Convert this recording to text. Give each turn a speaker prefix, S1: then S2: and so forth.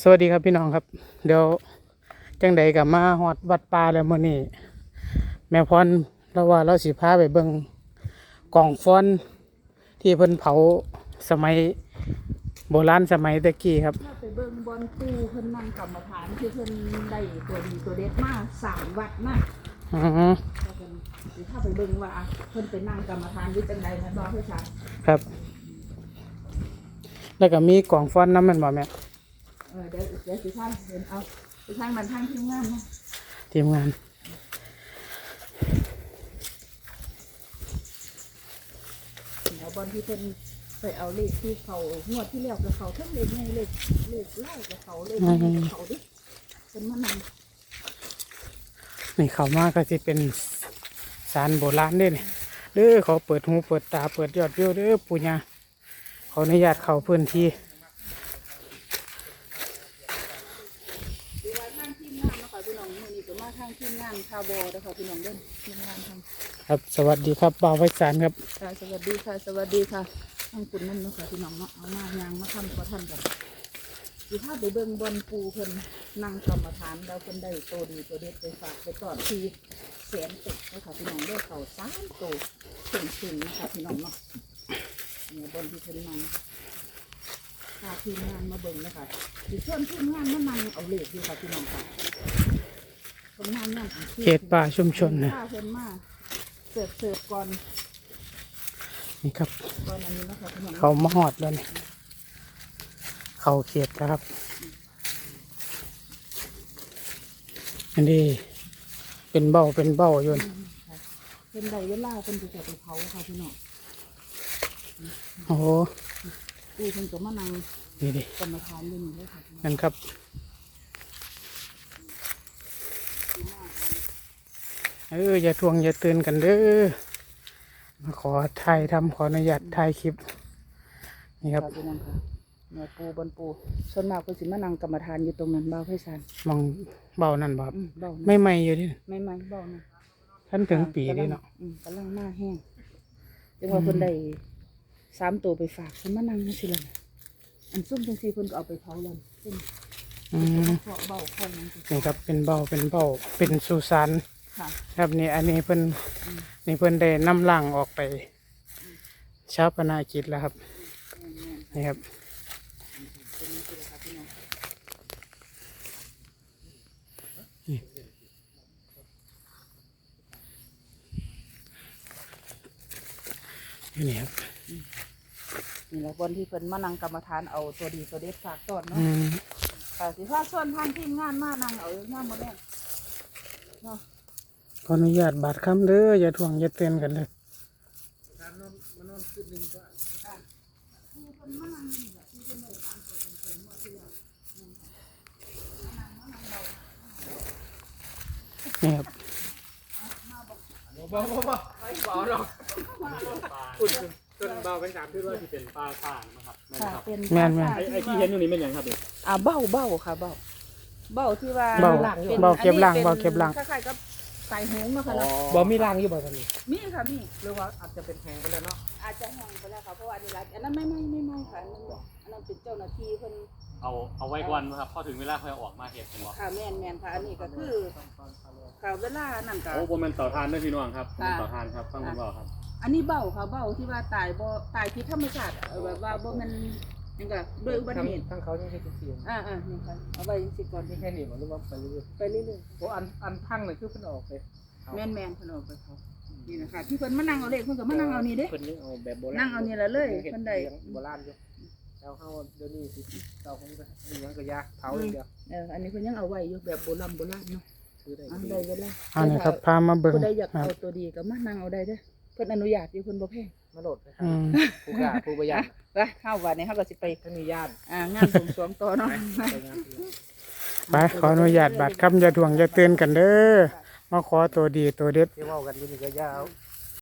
S1: สวัสดีครับพี่น้องครับเดี๋ยวจังใดกับมาฮอดวัดป่าแล้วมื้อนี้แม่พรเราว่าเราสิพาไปเบิ่งกล่องฟ้อนที่เพิ่นเผาสมัยโบราณสมัยตะกี้ครับ
S2: ถ้าไปเบิ่งบอนปูเพิ่นนั่งกรรมฐานคือเพิ่นได้ตัวดีตัวเด็ดมา3วัดนะ
S1: อือ
S2: ก็เพิ่นสิถ้าไปเบิ่งว่าเพิ่นไปนั่งกรรมฐานอยู่จังได๋แม่นบ่พี่ชาย
S1: ครับแล้วก็มีกล่องฟ้อนนำแม่นบ่แม่
S2: เดี๋ยวสิท่านเห็นเอาสิท่านมันทางทีมงานนะ
S1: ทีมงาน
S2: เอาบอนที่เพิ่นไปเอาเลขที่เขางวดที่แล้วกับเขาทั้งเลขใหญ่เลขไล่กับเขาเลขใหญ่กับเขาดิเพิ่นมานั่ง
S1: นี่เข้ามาก็สิเป็นศาลโบราณเด้นี่เด้อเขาเปิดหูเปิดตาเปิดยอดวิวเด้อปู่ย่าขออนุญาตเข้าพื้นที่
S2: พี่น้องมื้อนี้ก็มาทางทีมงานคาร์บอเด้อค่ะพี่น้องเด้อทีมงานทาง
S1: ครับสวัสดีครับบ่าวไพศาลครับ
S2: ค่ะสวัสดีค่ะสวัสดีค่ะทางคุณนั่นเนาะค่ะพี่น้องเนาะเอามายางมาทำขอท่านกันสิพาไปเบิ่งบอนปูเพิ่นนั่งกรรมฐานแล้วเพิ่นได้โตดีตัวเด็ดไปฝากไปก่อนที่แสนตึกเด้อค่ะพี่น้องเด้อเขา3โตถึงนะคะพี่น้องเนาะเนี่ยบอนที่เพิ่นนั่งพาทีมงานมาเบิ่งนะคะสิเชิญทีมงานมานั่งเอาเลขอยู่ค่ะพี่น้องค่ะ
S1: เขตป่าชุมชนนะ
S2: เพิ่นมาเสิร์ฟก่อน
S1: นี่ครับ
S2: ก่อนอันนี้นะคะพี่น้อง
S1: เขามาหอดแล้วนี่เขาเขตนะครับอันนี้เป็นเบ้าอยู่
S2: เป็นใดเวลาเป็นจะไปเผาค่ะพี่น้อง
S1: โอ้โห
S2: เพิ่นก็มานั่ง
S1: นี่ดิ
S2: กรรมฐานอยู่นี่เลยค่ะ
S1: นั่นครับอย่าทวงอย่าตื่นกันเด้อมาขอถ่ายทำขออนุญาตถ่ายคลิปนี่ครับ
S2: พี่น้องค่ะแม่ปูบนปูส่วนมากเพิ่นสิมานั่งกรรมฐานอยู่ตรงนั้นบ่าวไพศาล
S1: มองเบ้านั่นบ่ครับ
S2: เบ้า
S1: ไม่อยู่ดิ
S2: ไม่เบ้านะ
S1: ท่านถึงปีดิเนาะ
S2: กำลังมาแห้งจังว่าเพิ่นได้3ตัวไปฝากเพิ่นมานั่งจังซี่ล่ะอันซุ่มจังซี่เพิ่นก็เอาไปเผาแล้วซึ่งเบ้าของนั้น
S1: นี่ครับเป็นเบ้าเป็นสุสานครับนี่อันนี้เพิ่นนี่เพิ่นได้นำร่างออกไปชาปนกิจแล้วครับนี่ครับนี่ครับ
S2: นี่แหละวันที่เพิ่นมานั่งกรรมฐานเอาตัวดีตัวเด็ดฝากต้นเนาะแต่สิพาส่วนทางทีมงานมานั่งเอาย่ามมื้อแรกเนาะ
S1: ขออนุญาตบาดคำเด้ออย่าทวงอย่าเตือนกันเลยนี่ครับ
S3: บ่ไม่เบาหรอกคุณต้นเบาเป็นการที่ว่าที่เป็นปลาข่านนะครับ
S1: แม่น
S3: ไอ้ที่เห็นอยู่นี่เป็นอย่างครับ
S2: เบ้าค่ะเบ้าที่ว่า
S1: เบ้าเก็บล่าง
S2: คล้ายๆกับสายหงส์นะคะ
S3: บ่มีรางอยู่บ่ตอนนี้
S2: มีค่ะมี
S3: หรือว่าอาจจะเป็นแพงไปแล้วเนาะ
S2: อาจจะแห้งไปแล้วค่ะเพราะว่าอันนั้นไม่ค่ะอันนั้นเป็นเจ้าหน้าที่เพิ่น
S3: เอาไว้ก่อนครับพอถึงเวลาค่อยออกมาเฮ็ดเห็นบ่
S2: ค่ะแม่นค่ะอันนี้ก็คือค่ะเวลานั่นก็
S3: โอ้บ่แม่นเต่าทานเด้อพี่น้องครับเป็นเต่าทานครับฟังคุณบ่ครับ
S2: อันนี้เบ้าค่ะเบ้าที่ว่าตายที่ธรรมชาติแบบว่าบ่แม่นยังก็ด้วยอุบัติเหตุ
S3: ทั้งเขายังเฮ็ดจังซี่
S2: นี่ค่ะเอาไว้สิก่อน
S3: แค่นี้บ่หรือว่าไปเรื่อยๆโอ้อันทั้งนี่คือเพิ่นออกไป
S2: แม่นเพิ่นออกไปเขานี่นะคะที่เพิ่นมานั่งเอาเลขเพิ่นก็มานั่งเอานี่เด้
S3: เพิ่นเอาแบบโบราณ
S2: นั่งเอานี่ละเลยเพิ่นได้
S3: โบราณอยู่แล้วเฮาเดี๋ยวนี้สิเต่าคงก็ยังก็ยาเผาอย่างเดียว
S2: อันนี้เพิ่นยังเอาไว้อยู่แบบโบราณเนาะ
S3: คือได้
S2: เวลา
S1: อันนี้ครับพามาเบิ่ง
S2: ผู้ใดอยากเอาตัวดีก็มานั่งเอาได้เด้อเพิ่นอนุญาตอยู่เพิ่นบ่แพง
S3: มาโหลดนะครับผู้ประหยัด
S2: ไปเข้าวันนี้เฮาก็สิไป
S3: ท่านมีญาติ
S2: งานบวงสรวงต่อเนาะ
S1: ไปขออนุญาตบาดคำอย่าทวงอย่าเตือนกันเด้อมาขอตัวดีตัวเด็ด
S3: ที่เว้ากันอยู่นี่ก็ยาว